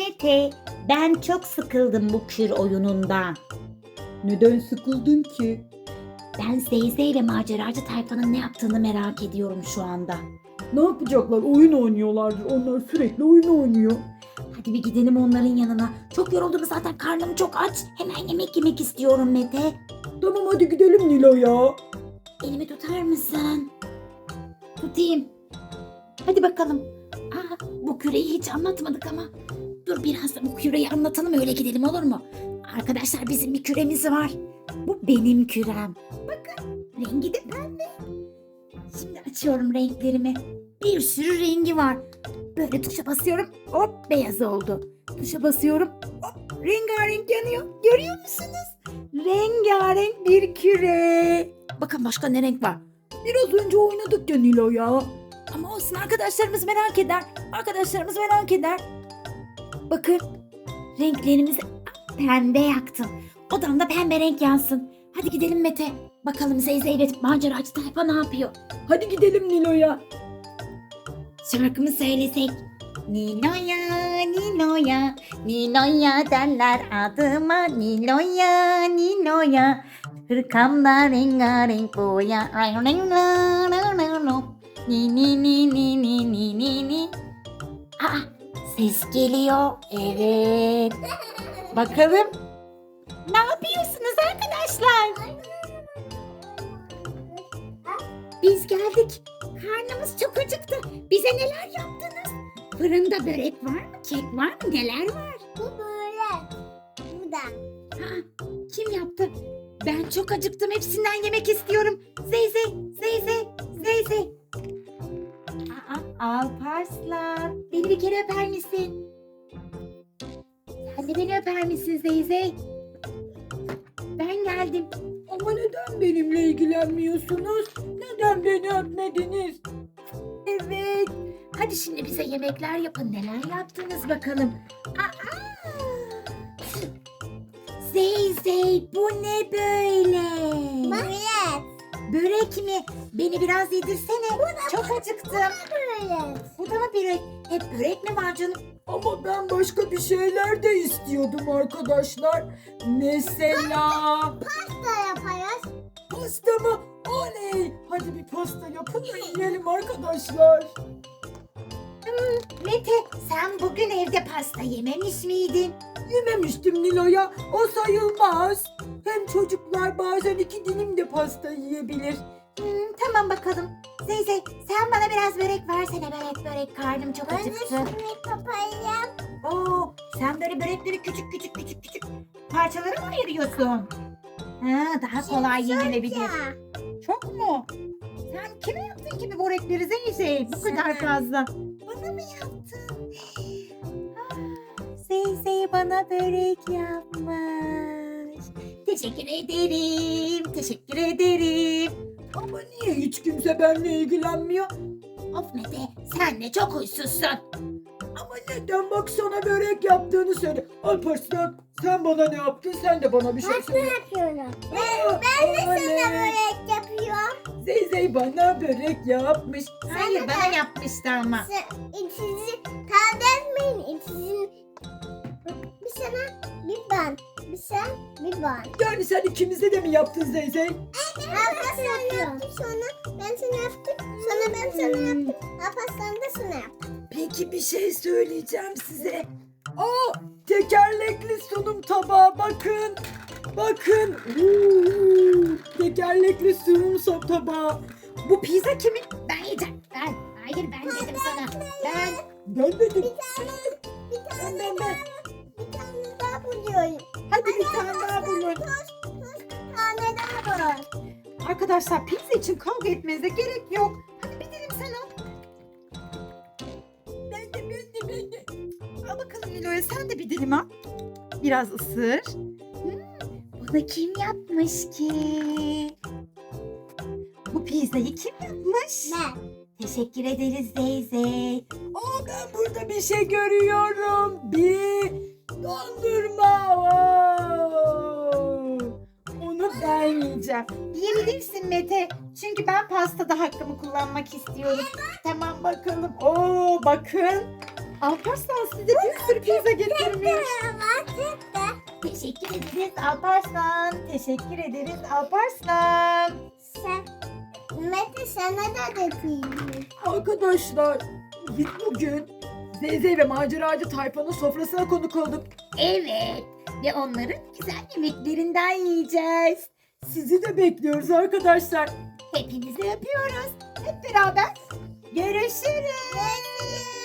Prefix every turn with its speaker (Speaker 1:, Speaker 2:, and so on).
Speaker 1: Mete, ben çok sıkıldım bu kür oyunundan.
Speaker 2: Neden sıkıldın ki?
Speaker 1: Ben Zeyze ile maceracı tayfanın ne yaptığını merak ediyorum şu anda.
Speaker 2: Ne yapacaklar? Oyun oynuyorlardır. Onlar sürekli oyun oynuyor.
Speaker 1: Hadi bir gidelim onların yanına. Çok yoruldum zaten, karnım çok aç. Hemen yemek yemek istiyorum Mete.
Speaker 2: Tamam hadi gidelim Nilo ya.
Speaker 1: Elimi tutar mısın? Tutayım. Hadi bakalım. Bu küreyi hiç anlatmadık ama. Dur biraz da bu küreyi anlatalım, öyle gidelim, olur mu? Arkadaşlar, bizim bir küremiz var. Bu benim kürem. Bakın, rengi de pembe. Şimdi açıyorum renklerimi. Bir sürü rengi var. Böyle tuşa basıyorum, hop beyaz oldu. Tuşa basıyorum, hop rengarenk yanıyor. Görüyor musunuz? Rengarenk bir küre. Bakın başka ne renk var?
Speaker 2: Biraz önce oynadık ya Nilo ya.
Speaker 1: Ama olsun, arkadaşlarımız merak eder. Arkadaşlarımız merak eder. Bakın, renklerimizi pembe yaktım. Odamda pembe renk yansın. Hadi gidelim Mete. Bakalım Zeyze ile maceracı tayfa ne yapıyor?
Speaker 2: Hadi gidelim Nilo'ya.
Speaker 1: Şarkımı söylesek. Nilo'ya, Nilo'ya, Nilo'ya derler adıma. Nilo'ya, Nilo'ya, hırkamda rengarenk boya. Ni ni ni ni ni ni ni ni. Ses geliyor. Evet. Bakalım. Ne yapıyorsunuz arkadaşlar? Biz geldik. Karnımız çok acıktı. Bize neler yaptınız? Fırında börek var mı? Kek var mı? Neler var?
Speaker 3: Bu böyle. Bu da.
Speaker 1: Kim yaptı? Ben çok acıktım. Hepsinden yemek istiyorum. Zeyze, Zeyze, Zeyze. Alparslan. Beni bir kere öper misin? Sen de beni öper misin Zeyze? Ben geldim.
Speaker 2: Ama neden benimle ilgilenmiyorsunuz? Neden beni öpmediniz?
Speaker 1: Evet. Hadi şimdi bize yemekler yapın. Neler yaptınız bakalım. Zeyze, bu ne böyle?
Speaker 3: Böyle.
Speaker 1: Börek mi? Beni biraz yedirsene. Çok acıktım.
Speaker 3: Böyle.
Speaker 1: Bu da mı börek? Hep börek mi var canım?
Speaker 2: Ama ben başka bir şeyler de istiyordum arkadaşlar. Mesela
Speaker 3: Da yaparız.
Speaker 2: pasta mı? Oley! Hadi bir pasta yapın da yiyelim arkadaşlar.
Speaker 1: Mete, sen bugün evde pasta yememiş miydin?
Speaker 2: Yememiştim Nilo'ya. O sayılmaz. Hem çocuklar bazen 2 dilim de pasta yiyebilir.
Speaker 1: Tamam bakalım. Zeyze, sen bana biraz börek versene. Börek karnım çok
Speaker 3: Ben de
Speaker 1: acıktı.
Speaker 3: şimdi papayam.
Speaker 1: Oo, sen böyle börekleri küçük parçalara mı ayırıyorsun? Daha kolay yenilebilir.
Speaker 3: Ya.
Speaker 1: Çok mu? Sen kime yaptın ki bu börekleri Zeyze? Bu kadar fazla. Bana mı yaptın? Zeyze bana börek yapmış. Teşekkür ederim. Teşekkür ederim.
Speaker 2: Ama niye hiç kimse benimle ilgilenmiyor?
Speaker 1: Of Mete, sen de çok huysuzsun.
Speaker 2: Ama neden bak sana börek yaptığını söyle. Alparslan sen bana ne yaptın? Sen de bana bir şey söyle.
Speaker 3: Yapıyorum.
Speaker 2: Ben de
Speaker 3: Sana börek yapıyorum.
Speaker 2: Zeyzey bana börek yapmış.
Speaker 1: Hayır, bana yapmıştı ama.
Speaker 3: İkisi kardeşmeyin. İkisinin bir sana bir ben. Bir sen bir ben.
Speaker 2: Yani sen ikimize de mi yaptın Zeyzey?
Speaker 3: Abla sen yaptın sonra ben sana yaptım. Sonra ben sana yaptım. Abla sen de sana yaptın.
Speaker 2: Peki bir şey söyleyeceğim size. Tekerlekli sunum tabağı bakın. Bakın. Tekerlekli sunum tabağı.
Speaker 1: Bu pizza kimin? Ben yiyeceğim. Hayır, ben dedim sana.
Speaker 2: Ben dedim.
Speaker 3: Bir tane
Speaker 2: Ben.
Speaker 3: bir tane daha buluyorum.
Speaker 1: Hadi bir tane daha bulun.
Speaker 3: Bir tane daha var.
Speaker 1: Arkadaşlar, pizza için kavga etmenize gerek yok. Hadi bir dilim sen al.
Speaker 2: Ben de.
Speaker 1: Al bakalım Nilo'ya, sen de bir dilim al. Biraz ısır. Bunu kim yapmış ki? Bu pizzayı kim yapmış?
Speaker 3: Ben.
Speaker 1: Teşekkür ederiz Zeyze.
Speaker 2: Ben burada bir şey görüyorum. Bir dondurma. Onu ben yiyeceğim.
Speaker 1: Yiyebilirsin Mete. Çünkü ben pastada hakkımı kullanmak istiyorum.
Speaker 2: Tamam bakalım. Bakın. Alparslan size bir sürü pizza getirmiş.
Speaker 1: Teşekkür ederiz Alparslan. Teşekkür ederiz Alparslan.
Speaker 3: Sen, Mete sana da getirdim.
Speaker 2: Arkadaşlar biz bugün Zeyzey ve maceracı tayfanın sofrasına konuk olduk.
Speaker 1: Evet ve onların güzel yemeklerinden yiyeceğiz.
Speaker 2: Sizi de bekliyoruz arkadaşlar.
Speaker 1: Hepinizi öpüyoruz. Hep beraber görüşürüz.